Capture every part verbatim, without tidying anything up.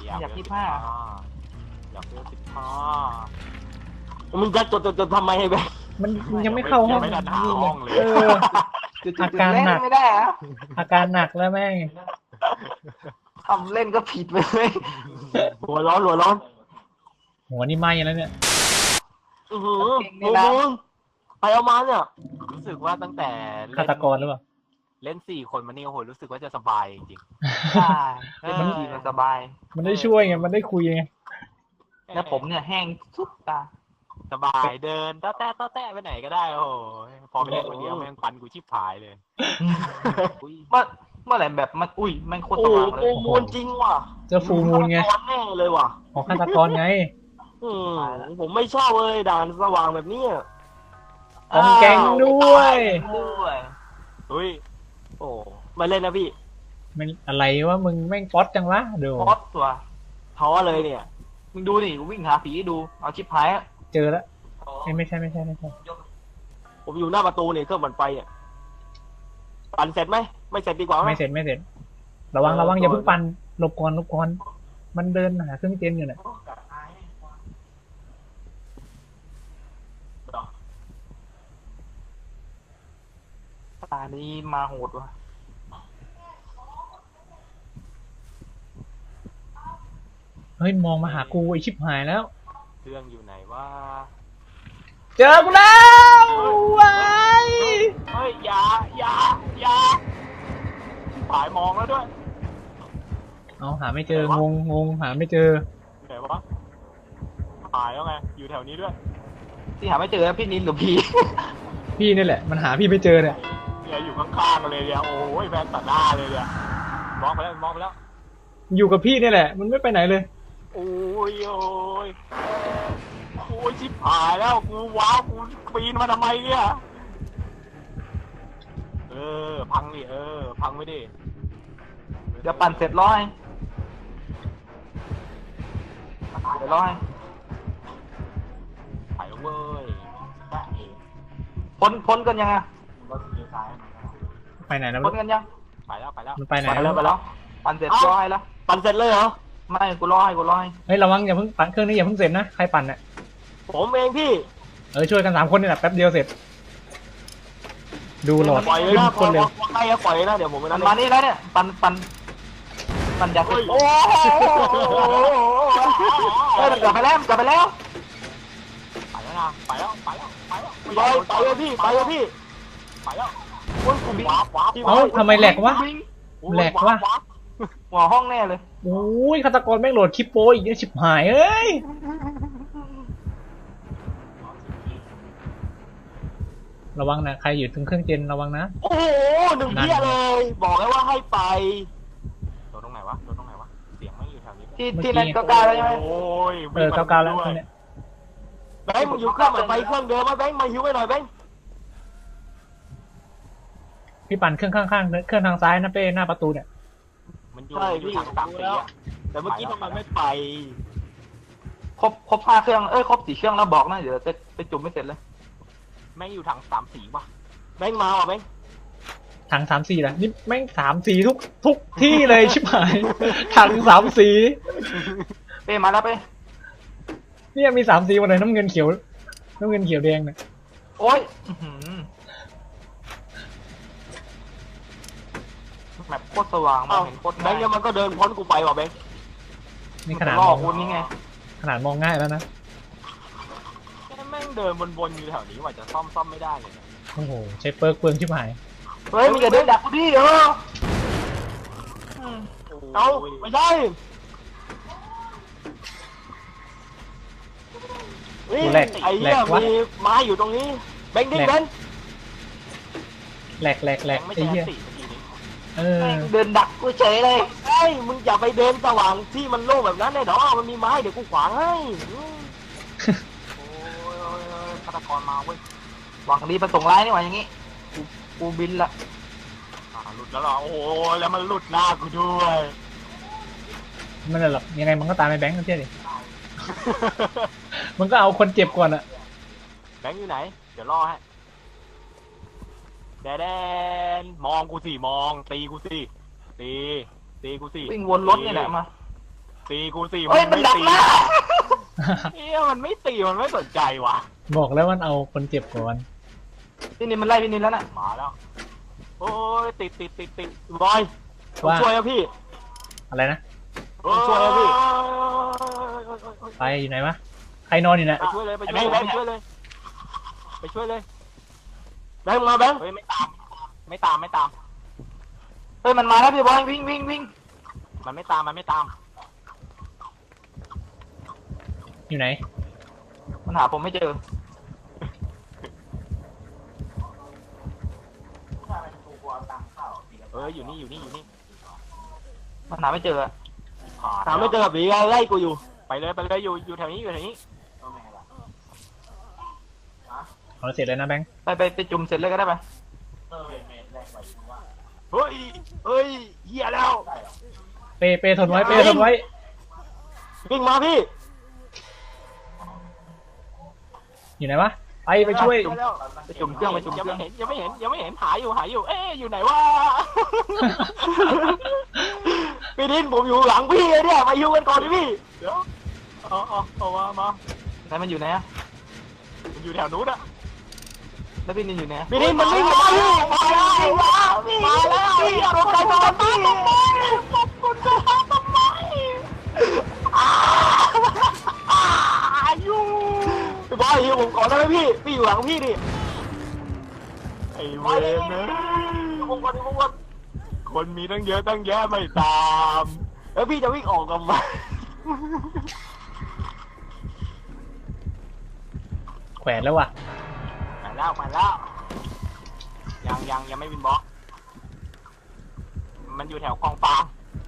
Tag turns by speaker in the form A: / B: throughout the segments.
A: อยาก
B: อยากยี่สิบห้า
A: อยากเลือกสิบห้ามึงจะจดจดจดทำไมให้แบง
C: มันยังไม่เข้าห้อง
A: ไม่ทันหาห้องเลย
C: เออ
B: จุด
C: อา
B: ๆ
C: การ
B: เล่น
C: หนัก
B: ไม่ได้อะ
C: อาการหนักแล้วแม่ง
B: ทำเล่นก็ผิดไปเลย
A: หัวร้อนหัวร้อน
C: หัวนี่ไหม้แล้วเนี่ย
A: อือหือมึงมึงไปเอามาเนี่ยรู้สึกว่าตั้งแต่เล่น
C: ฆาตกรหรือเปล่า
A: เล่นสี่คนมานี่โอ้โหรู้สึกว่าจะสบายจริง
B: ใช่เล่นทีมันสบาย
C: มันได้ช่วยไงมันได้คุยไง
A: ๆ
B: แล้วผมเนี่ยแห้งสุดตา
A: สบายเดินต้อแต้ต้อแต้ไปไหนก็ได้โอ้โหพอไปเล่นคนเดียวแม่งปันกูชิบหายเลย
B: เมื่อเมื่อไหร่แบบมันอุ้ยแม่งโคตร
A: โอ้
B: ส
A: โห
B: ว่างเล
A: โอ้
B: ย
A: มูลจริงว่ะ
C: เจอฟูลมูลไง
A: ฆาตกรแน่เลยว่ะ
C: ของฆาตกรไง
A: อืมผมไม่ชอบเลยด่านสว่างแบบนี้อะ
C: ของแก๊งด้วย
B: ด้วย
A: เฮ้ยโอ้มาเล่นนะพี่
C: มันอะไรวะมึงแม่งป๊อตจังวะดู
B: พอดตัว
A: ท้อเลยเนี่ย
B: มึงดูนี่กูวิ่งหาผีให้ดูเอาชิปหายอะ
C: เจอแล้วเอ้ยไม่ใช่ไม่ใช่ไม่ใช่
A: ผมอยู่หน้าประตูเนี่ยเครื่องมันไปอ่ะปั่นเสร็จไหมไม่เสร็จดีกว่าห
C: ไม่เสร็จไม่เสร็จ ระวังระวังอย่าเพิ่งปั่นหลบก่อนหลบก่อนมันเดินหาเครื่องเจนอยู่เนี่ย
B: ตานี้มาโหดว่ะ
C: เฮ้ยมองมาหากูไอชิบหายแล้ว
A: เครื่องอยู่ไหนวะ
C: เจอกูแล้วว้าย
A: เฮ้ยอย่าอย่าอย่าสายมองแล้วด้วย
C: เอาหาไม่เจองงงงหาไม่เจอ
A: ไหนวะหายแล้วไงอยู่แถวนี้ด้วย
B: ที่หาไม่เจอพี่นินหรือพี่
C: พี่นี่แหละมันหาพี่ไม่เจอเนี่ย
A: เนี่ยอยู่ข้างๆกันเลยเนี่ยโอ้ยแฟนตัดหน้าเลยเนี่ยมองไปแล้วมองไปแล้ว
C: อยู่กับพี่นี่แหละ มันไม่ไปไหนเลย
A: โอ้ยโอ้ยโอ้ยชิบหายแล้วกูว้าวกูปีนมาทำไมเนี่ยเออพังดิเออพังไม่ดิ
B: เดี๋ยวปั่นเสร็จร้อยเดี๋ยวร้อย
A: ไปแล้วเว้ย
B: พ้นพ้นกันยังไง
C: ไปไหนแล้ว
B: พ้นกันยัง
A: ไปแล้วไปแล้ว
C: มันไปไหน
B: ไปแล้วไปแล้วปั่นเสร็จร้อยแล้ว
A: ปั่นเสร็จเลยเหรอ
B: ไม่กูร้อยกูร้อย
C: เฮ้ยระวังอย่าเพิ่งปั่นเครื่องนี้อย่าเพิ่งเสร็จนะใครปั่นเนี่ย
A: ผมเองพี่
C: เออช่วยกันสามคนนี่แหละแป๊บเดียวเสร็จ ดูหลอด
A: ปล่อยเลย
C: ขึ้น
A: นะ
C: คนเร็ว
A: ใกล้จะปล่อยเลยนะเดี๋ยวผมไป
B: มั
A: นั่
B: น
A: น
B: มานี่แล้วเนี่ยปั่นปั่นปั่นอยาก
A: เฮ้ย
B: โอ้เฮ้ยมันกลับไปแล้วมันกลับไปแล้ว
A: ไปแล้วนะไปแล้วไปแล้วไปแล้ว
B: ไป
A: ไปเลยพี่ไปเลยพี่ไปแล้ว
B: โอ้ยกูบิง
A: ว้าบว้าบ
C: เอ้าทำไมแหลกวะ
B: บิง
C: แหลกวะ
A: าบ
B: หัวห้องแน่เลย
C: โอ้ยฆาตกรแม่งโหลดคลิปโป้อีกเนี่ยชิบหายเอ้ยระวังนะใครอยู่ตรงเครื่องเจนระวังนะ
A: โอ้โหหนึ่งเที่ยเลย บอกแล้วว่าให้ไปโดนตรงไหนวะโดนตรงไหนวะเสียงไม่อยู่แถวนี้
B: ที่ที่นั่นก็กล้าแล้วใช่ไหม
A: โอ้ย
C: เออเก้าเก้าแล้วเครื่องเนี้ย
A: แบงค์มึงอยู่เครื่องเหมือนไปเครื่องเดิมมาแบงค์มาหิวไปหน่อยแบงค์
C: พี่ปั่นเครื่องข้างๆเครื่องทางซ้ายนะเป้หน้าประตูเนี่ย
A: มันอยู่อยู่ทางสามสีอะแต่เมื่อกี้ทำไมไม่ไป
B: ครบครบห้าเครื่องเอ้ยครบสี่เครื่องแล้วบอกนะเดี๋ยวจะไปจุ่มไม่เสร็จเลย
A: แม่งอยู่ทางสามสีว่ะแบงค์มาว่ะแบงค์
C: ถังสามสีแหละนี่แม่งสามสีทุกทุกที่เลยชิบหาย ถังสามสี
B: เป้มาแล้วเป้
C: เนี่ยมีสามสีหมดเลยน้ำเงินเขียวน้ำเงินเขียวแดงเนี่ย
B: โอ้ยอื้อหือแมปโคตรสว่างมอ
A: เอ้าง
B: เห็นโคตร
A: แบงค์เนี่ยมันก็เดินพ้นกูไปว่ะแบงค์
C: นี่ขนาด
B: ล่
C: ม
B: อ
C: อง
B: คุณนี่ไง
C: ขนาดมองง่ายแล้วนะ
A: แม่งเดินวนๆอยู่แถวนี้ว่าจะซ่อมซ่อมไม่ได้เลยเนี่ย
C: โอ้โหใช้เปิร์กเปลืองชิบหาย
B: เฮ้ยมึงอย่าเดินดักกูดิเอออืม
A: เอ้าไม่ใช่นี่
C: แหลก
A: ไอ้
C: แหล
A: เหี้ย
C: กวะ
A: มีไม้อยู่ตรงนี้แบงค์ดิ้ง
C: แหลก
A: แบงค์
C: แหลกแหลกแหลก
A: ไม่
C: ไอ้
A: ใช่
C: เหี้ย
A: สีเมื่อกี้นี้
C: เออ
B: แม่งเดินดักกูเฉยเลย
A: เฮ้ยมึงอย่าไปเดินสว่างที่มันโล่งแบบนั้นเลยดอกมันมีไม้เดี๋ยวกูขวางให้อืมโอ้ยโอ้ยโอ้ยฆาตกรมาเว้ย
B: หวังดีประสงค์ร้ายนี่หว่าอย่างงี้กูกูบินละ
A: อ่าหลุดแล้วเหรอโอ้ยแล้วมันหลุดหน้ากูด้วย
C: ไม่เป็นไรหรอกยังไงมันก็ตามไปแบงค์กันเชื่อดิมันก็เอาคนเจ็บก่อนอะ
A: แบงค์อยู่ไหน เดี๋ยวรอให้แดแดนมองกูสิมองตีกูสิตีตีกูสิ
B: วิ่งวนรถนี่แหละมา
A: ตีกูตี
B: เฮ้ยมันดักหน้า
A: เฮ้ยมันไม่ตีมันไม่สนใจว่ะ
C: บอกแล้วมันเอาคนเจ็บก่อน
B: พี่นินมันไล่พี่นินแล้วน่ะ
A: มาแล้วโอ้ยติดติดติดติดบอยผม
C: ว่า
A: ช่วยนะพี่
C: อะไรนะ
A: ผมช่วยนะพี่
C: ไปอยู่ไหนวะใครนอนอยู่นะ
A: ไปช่วยเลยไปช่วยเลยไปช่วยเลยไปช่วยเลยแบงค์มาแบงค์เฮ้ยไม่ตามไม่ตามไม่ตาม
B: เฮ้ยมันมาแล้วพี่บอยวิ่งวิ่งวิ่ง
A: มันไม่ตามมันไม่ตาม
C: อยู่ไหน
B: มันหาผมไม่เจอ
A: เอออยู่นี่อยู่นี่อยู่นี่
B: มันหาไม่เจออะ
A: ถามไม่เจอแบบนี้ไล่กูอยู่ไปเลยไปเลยอยู่อยู่แถวนี้อยู่แถวนี้
C: เอาเสร็จเลยนะแบงค์
B: ไปไปไปจุ่มเสร็จเลยก็ได้ไป
A: เฮ้ยเฮ้ยเหี้ยแล้ว
C: เปเปทนไว้เปทนไว้
A: วิ่งมาพี่
C: อยู่ไหนวะไปไปช่วย
B: ไปจุ่มเครื่องไปจุ่ม
A: ยัง
B: เครื่
A: ไม่
B: อง
A: เห็นยังไม่เห็นยังไม่เห็นหาอยู่หาอยู่เอ๊ะอยู่ไหนวะ พี่ดินผมอยู่หลังพี่เลยเนี่ยมาอยู่กันก่อนดิพี่เดี๋ยวเอาเอาเอามามา
B: ไหนมันอยู่ไหนอะ
A: มันอยู่แถวนู้นอะ
B: แล้วพี่นินอยู่ไหนอะ
A: พี่ดินมันวิ่งมาพี่มาแล้วมาแล้วพี่ตกใจตอนพี่ขอบคุณจะทำทำไมอ่าอายุพี่บอยอยู่ผมก่อนได้ไหมพี่พี่อยู่หลังพี่ดิไอ้เวรนะผมก่อนผมก่อนคนมีตั้งเยอะตั้งแยะไม่ตามแล้วพี่จะวิ่งออกกับมัน
C: แขวนแล้วว่ะ
A: ไปแล้วไปแล้วยังยังยังไม่วินบล็อกมันอยู่แถวกองฟาง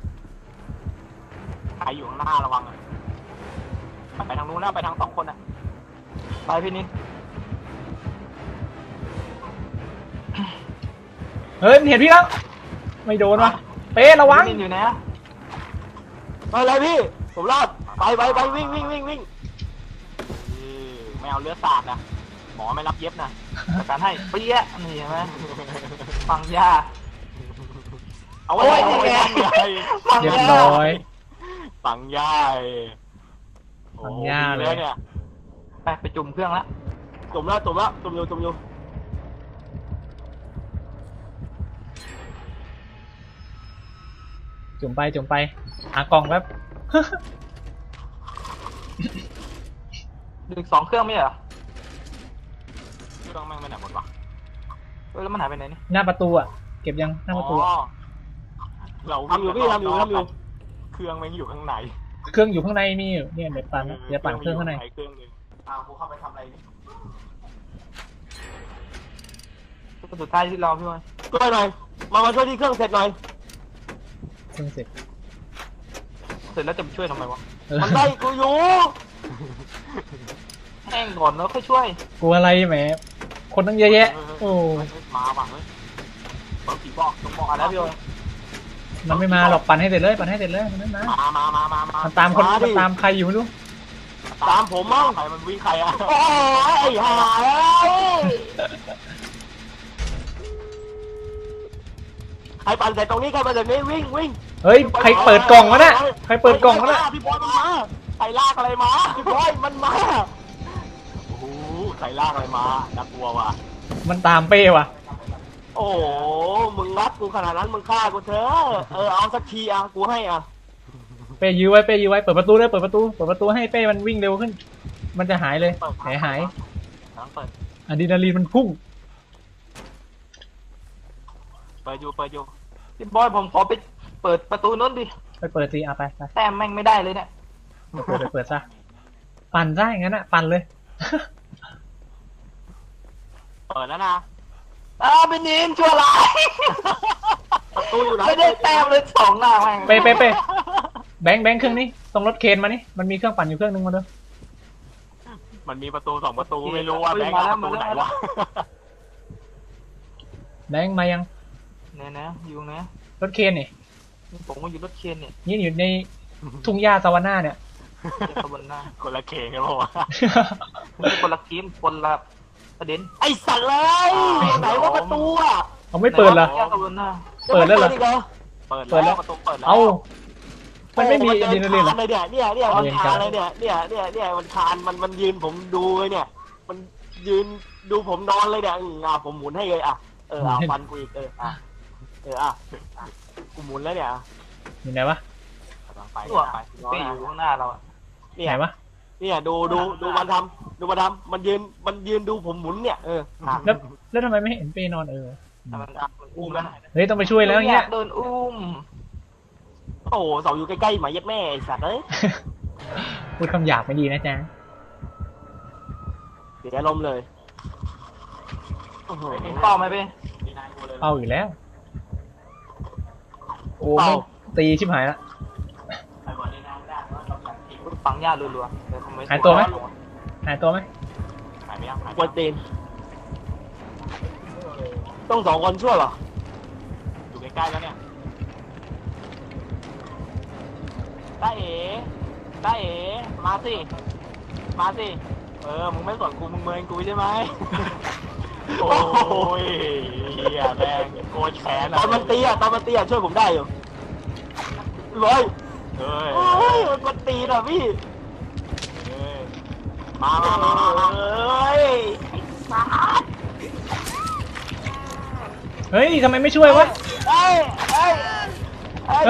A: ใครอยู่ข้างหน้าระวังอะไปทางนู้นนะไปทางสองคนอะ
B: ไปพี่นิน
C: เฮ้ยมันเห็นพี่แล้วไม่โดนวะเประวัง
B: พี่นินอยู่ไหนอะ
A: ไปเลยพี่ผมรอดไปไปไปวิ่งวิ่งวิ่งวิ่งเออไม่เอาเลือดสาดนะหมอไม่รับเย็บนะ
B: จัดการให้เปี้ยะนี่เห็นไหมฟังยา
A: เอาไว้
B: โอ้ย
A: เอาไว้
B: นี่ไง
A: ฟังยาย
C: เรียบร้อย
A: ฟังยาย
C: ฟังยาเลย
A: โอ้โหดีเนี่ย
B: ไปไปจุ่มเครื่องแล้ว
A: จมแล้วจมแล้วจมอยู่จมอยู่
C: จุ่มไปจุ่มไปหากล่องแป๊บ
B: ดึกสองเครื่องไม่ใช่เหรอ
A: เครื่องแม่งไม่ไหนหมดวะ
B: เฮ้ยแล้วมันหายไปไหนนี่
C: หน้าประตูอ่ะเก็บยังหน้าประตู
A: อ๋
C: อะ
A: อเรา
B: ทำอยู่พี่ทำอยู่ทำอยู่
A: เครื่องแม่งอยู่ข้างใน
C: เครื่องอยู่ข้างในมีอยู่เนี่ยเดี๋ยวปั่นเดี๋ยวปั่นเครื่องข้างใน
A: เครื่องนึงอ้าวกูเข้าไปทำอะไรนี่
B: สุดท้ายที่เราพี่บอย
A: ช่วยหน่อยมามาช่วยที่เครื่องเสร็จหน่อย
C: เครื่องเสร็จ
B: เสร็จแล้วจะไปช่วยทำไมวะ
C: เออ
A: มันไล่กูอยู่
B: แห้งก่อนแล้วค่อยช่วย
C: กลัวอะไรแหมคนตั้งเยอะแยะโอ้
A: มาว่ะเฮ้ยเปิดผีบอกต้องบอก
B: มา
A: อะ
B: แล้วพี่บอย
C: มันไม่มาหรอกปั่นให้เสร็จเลยปั่นให้เสร็จเลยมันไม่มา
A: มามามามามา
C: มันตามคน
A: ดิ
C: มันตามใครอยู่ไม่รู้
A: ตามผมมั่งใครมันวิ่งใครอะโอ้ยไอ้ห่าเอ้ยใครปั่นเสร็จตรงนี้ใครปั่นเสร็จนี้วิ่งวิ่ง
C: เฮ้ยใครเปิดกล่องวะเนี่ยใครเปิดกล่องวะเนี่ย
A: พี่บอยมันมาใครลากอะไรมาพี่บอยมันมาโอ้โหใครลากอะไรมาน่ากลัวว่ะ
C: มันตามเป้ว่ะ
A: โอ้โหมึงรัดกูขนาดนั้นมึงฆ่ากูเถอะเออเอาสักทีอ่ะกูให้อ่ะ
C: เป้ยื้อไว้เป้ยื้อไว้เปิดประตูเลยเปิดประตูเปิดประตูให้เป้มันวิ่งเร็วขึ้น มันจะหายเลยหายหาย
A: ทั้งเปิด
C: อะดรีนาลีนมันพุ่ง
A: เปิดอยู่เปิดอยู่
B: พี่บอยผมขอไปเปิดประตูนู้นดิ
C: ไปเปิดสิเอาไปไป
B: แต้มแม่งไม่ได้เลยเนี่ย
C: ไปเปิดไปเปิดซะปั่นซะอย่างนั้นอ่ะปั่นเลย
A: เปิดแล้วนะ
B: อ้าวเป็นนินชั่วร้าย
A: ประตูอยู่ไหน
B: ไม่ได้แต้มเลยสองหน้าแม่ง
C: เป้เป้เป้แบงค์แบงค์เครื่องนี้ตรงรถเคนมานี่มันมีเครื่องปั่นอยู่เครื่องนึงมาเด้อ
A: มันมีประตูสองประตูไม่รู้ว่าแบงค์เอาประตูไหนวะ
C: แบงค์มายัง
B: เนี่ยนะอยู่นะ
C: รถเคนนี่
B: ผมก็อยู่รถเคนเนี่ย
C: นี่อยู่ในทุ่งหญ้าซาวาน่าเนี่ย
B: เจ็บขบวนหน้า
A: คนละเคงกันปะวะ
B: คนละเกมคนละประเด็น
A: ไอสัตว์เลยไหนว่าประตูอ่ะ
C: เอาไม่เปิดเหรอ
B: แยกขบวนหน้า
C: เปิดแล้วเหรอ
A: เปิด
C: เปิดแล้
A: แล้ว วประตูเปิดแล้ว
C: เอามันไม่มี
A: โอ้
C: อะดรีนาลีนเหรอ
A: เลยเนี่ยเนี่ยเนี่ยมัน
C: เอาเวร
A: คาน
C: กรรม
A: เลยเนี่ยเนี่ยเนี่ยเนี่ยมันคานมันมันยืนผมดูเลยเนี่ย มันยืนดูผมนอนเลยเนี่ยอืมอ่ะผมหมุนให้เลยอ่ะเออเอาฟันกูอีกเอออ่ะเอออ่ะอ่ะกูหมุนแล้วเนี่ยอ่ะ
C: อยู่ไหนวะ
A: กำลังไป
B: ตัว
A: กำลังไป
B: เป้อยู่ข้างหน้าเราอะ
A: เนี่
C: ไห
A: ย
C: นวะ
A: เนี่ยดูดูดูมันทำดูมันทำมันยืนมันยืนดูผมหมุนเนี่ยเอออ่ะ
C: แล้วแล้วทำไมไม่เห็นเป้นอนเออ
B: แต่มันมันอุ้มแล้ว
C: เฮ้ยต้องไปช่วยแล้วเงี้ย
B: โดนอุ้ม
A: โอ้โหเสาอยู่ใกล้ๆหมาเย็ดแม่ไอ้สัตว์เอ้ย
C: พูดคำหยาบไม่ดีนะจ๊ะ
A: เสียลมณ์เลยโอ้โห
B: เป้าไหมเป้
C: เป้าอยู่แล้ว โอ้
A: เป้า
C: ไม่ตีชิบหายละ
B: ฝังยารัวๆเดี๋ยวคอมเมนต์
C: หายตัวไหม หายตัวไหม
A: หายไปยังหายกวนตีนต้องสองคนช่วยเหรออยู่ใกล้ๆแล้วเนี่ยได้เอ๋ได้เอ๋มาสิมาสิเออมึงไม่สนกูมึงเมินกูใช่ไหมโอ้ยเฮียแม่งโกยแขนตอนมันตีอ่ะตอนมันตีอ่ะช่วยผมได้อยู่เลยเฮ้ยมันตีอ่ะพี่มามามามามาเอ้ยไอ้สัส
C: เฮ้ยทำไมไม่ช่วยวะ
A: เอ้ยเอ้ยเอ้ย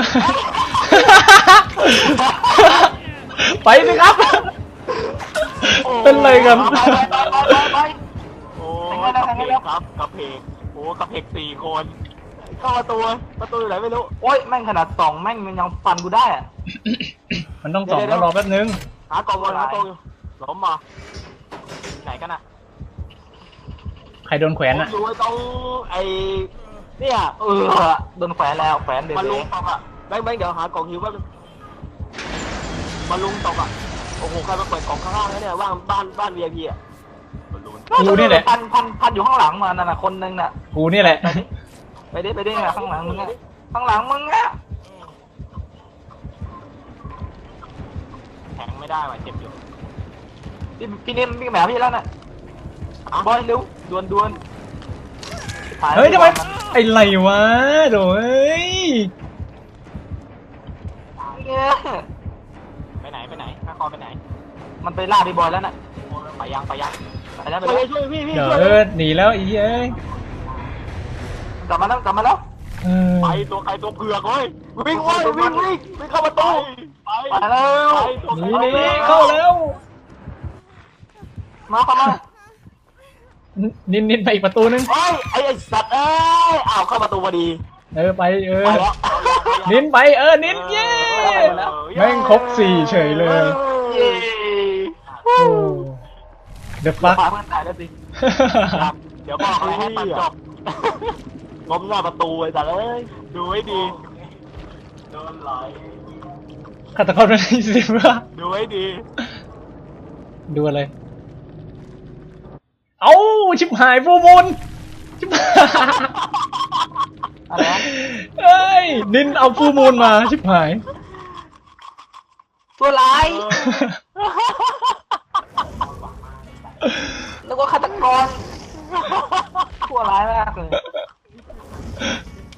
C: ไปสิครับ เป็นไรกัน
B: ไปไปไปไปไป
A: โอ้กระเพกครับกระเพกโอ้กระเพกสี่คนเข้าประตูประตูอยู่ไหนไม่รู้
B: โอ้ยแม่งขนาดสองแม่งมันยังฟันกูได้อะ
C: มันต้องสองแล้วรอแป๊บนึง
A: หากล่องก่อนหากล่องอยู่ล้มมาไหนกันน่ะ
C: ใครโดนแขวนอ่ะ
A: ผมอยู่ตรงไอ้เนี่ย
B: เออโดนแขวนแล้วแขวนเด็ด
A: มา
B: เล
A: ลุง
B: ย
A: ตกอ่ะแบงค์แบงค์เดี๋ยวหากล่องหิวแป๊บนึงมาลุงตกอ่ะโอ้โหใครมาเปิดกล่องข้างล่างแล้วเนี่ยว่างบ้านบ้าน วี ไอ พี อ่ะมาลุง
C: กูนี่แหละ
B: พันพันพันอยู่ข้างหลังมานั่นน่ะคนนึงน่ะ
C: กูนี่แหละ
B: ไปดิไปดิไปดิข้างหลังมึงอะข้างหลังมึงอะ
A: แทงไม่ได้ว่ะเจ็บอยู่
B: พี่พี่นิ่มพี่แหมพี่แล้วน่ะบอยเร็วดวนดวน
C: เฮ้ยทำไมไอ้ไรวะโดเอ้ย
B: เนี่ย
A: ไปไหนไปไหนข้าคอไปไหน
B: มันไปล่าพี่บอยแล้วน่ะ
A: ไปยังไปยัง
B: ไปแล้วไป
A: ช่วย
B: แล้ว
A: ช่วยพี่พี่
C: เดี๋ยว
A: ช่วย
C: เออหนีแล้วอีเอ้ย
B: กลับมาแล้วกลับมาแล้ว
C: เออ
A: ไปตัวใครตัวเผือกเว้ยวิ่งเว้ยวิ่งวิ่งวิ่งเข้าประตูไป
B: ไปแล้ว
A: ไปตัว
C: ห
A: ใคร
C: นีหนีเข้าแล้ว
B: มาเข้ามา
C: นินนินไปอีกประตูนึง
A: เฮ้ยไอ้ไอ้สัตว์เอ้ยอ้าวเข้าประตูพอดี
C: เออไปเออ
A: ไปแล้ว
C: นินไปเออนินเย้แม่งครบสี่เฉยเลย
B: เย้
C: โอ้เดอะฟัก
B: พาเพื่อนตายแล้วสิ
A: ครับเดี๋ยวบอกเลยให้ตัดจบล้มหน้าประตูไอ้สัตว์เอ้ยดูให้ดีโดนไหล
C: ฆาตกรเป็นไอ้สิบวะ
A: ดูให้ดี
C: ดูอะไร เอ้าชิบหายฟูมูลชิบหาย
B: อะไรวะ
C: เอ้ยนินเอาฟูมูลมาชิบหาย
B: ตัวร้ายแล้วก็ฆาตกรตัวร้ายมากเลย